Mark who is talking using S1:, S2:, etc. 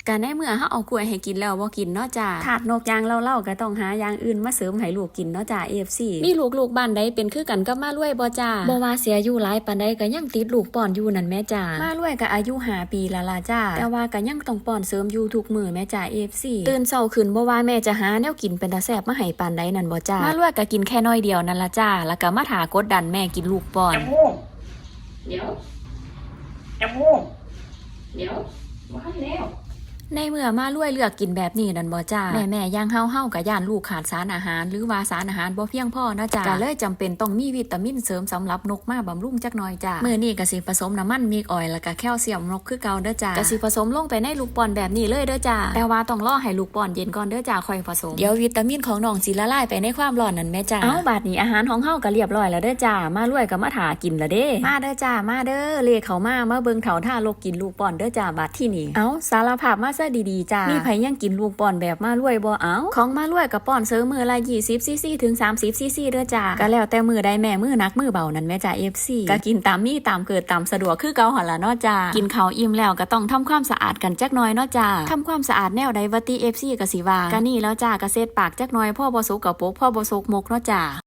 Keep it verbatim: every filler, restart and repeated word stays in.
S1: ก็ในเมื่อเฮาเอากล้วยให้กินแล้วบ่กินเนาะจ้าถาดนกยางเล่าๆก็ต้องหาอย่างอื่นมาเสริมให้ลูกกินเนาะจ้า เอ เอฟ ซี มีลูกๆบ้านใดเป็นคือกันกับมารวยบ่จ้าบ่ว่าเสียอายุหลายปานใดก็ยังติดลูกป้อนอยู่นั่นแม่จ้ามารวยก็อายุห้าปีแล้วล่ะจ้าแต่ว่าก็ยังต้องป้อนเสริมอยู่ทุกมื้อแม่จ้า เอ เอฟ ซี ตื่นเช้าขึ้นบ่ว่าแม่จะหาแนวกินเป็นตาแซ่บมาให้ปานใดนั่นบ่จ้ามารวยก็กินแค่น้อยเดียวนั่นล่ะจ้าแล้วก็มาถากดดันแม่กินลูกป้อน
S2: จมูก
S1: เดี๋ยว
S2: จมูก
S1: เดี๋ยวว่าแล้วในเมื่อมารวยเลือกกินแบบนี้นั่นบ่จ้าแม่แม่ย่างเฮาเฮากับย่านลูกขาดสารอาหารหรือว่าสารอาหารบ่เพียงพอนะจ้าก็เลยจำเป็นต้องมีวิตามินเสริมสำหรับนกมาบำรุงจักหน่อยจ้ามื้อนี้ก็สิผสมน้ำมันมิกออยล์แล้วก็แคลเซียมนกคือเก่าเด้อจ้าก็สิผสมลงไปในลูกป้อนแบบนี้เลยเด้อจ้าแต่ว่าต้องรอให้ลูกป้อนเย็นก่อนเด้อจ้าค่อยผสมเดี๋ยววิตามินของน้องสิละลายไปในความร้อนนั่นแม่จ้าเอ้าบาดนี้อาหารของเฮาก็เรียบร้อยแล้วเด้อจ้ามารวยก็มาถากินละเด้มาเด้อจ้ามาเด้อเลขเข้ามามาเบิ่งเฒ่าท่าลกกินลูกป้อนเด้อจ้าบาดที่นี่เอ้าสารภาพมาซะดีๆจ้ามีไผยังกินลูกป้อนแบบมารวยบ่เอาของมารวยกับป้อนเสริมมือละยี่สิบซีซีถึงสามสิบซีซีเด้อจ้าก็แล้วแต่มือใดแม่มือนักมือเบานั่นแม่จ้า เอฟ ซี ก็กินตามมีตามเกิดตามสะดวกคือเก่าหั่นล่ะเนาะจ้ากินข้าวอิ่มแล้วก็ต้องทำความสะอาดกันจักหน่อยเนาะจ้าทำความสะอาดแนวใดวัติ เอฟ ซี ก็สิว่าก็นี่แล้วจ้าก็เซ็ดปากจักหน่อยพ่อบ่สุกกับปกพ่อบ่สุกมกเนาะจ้า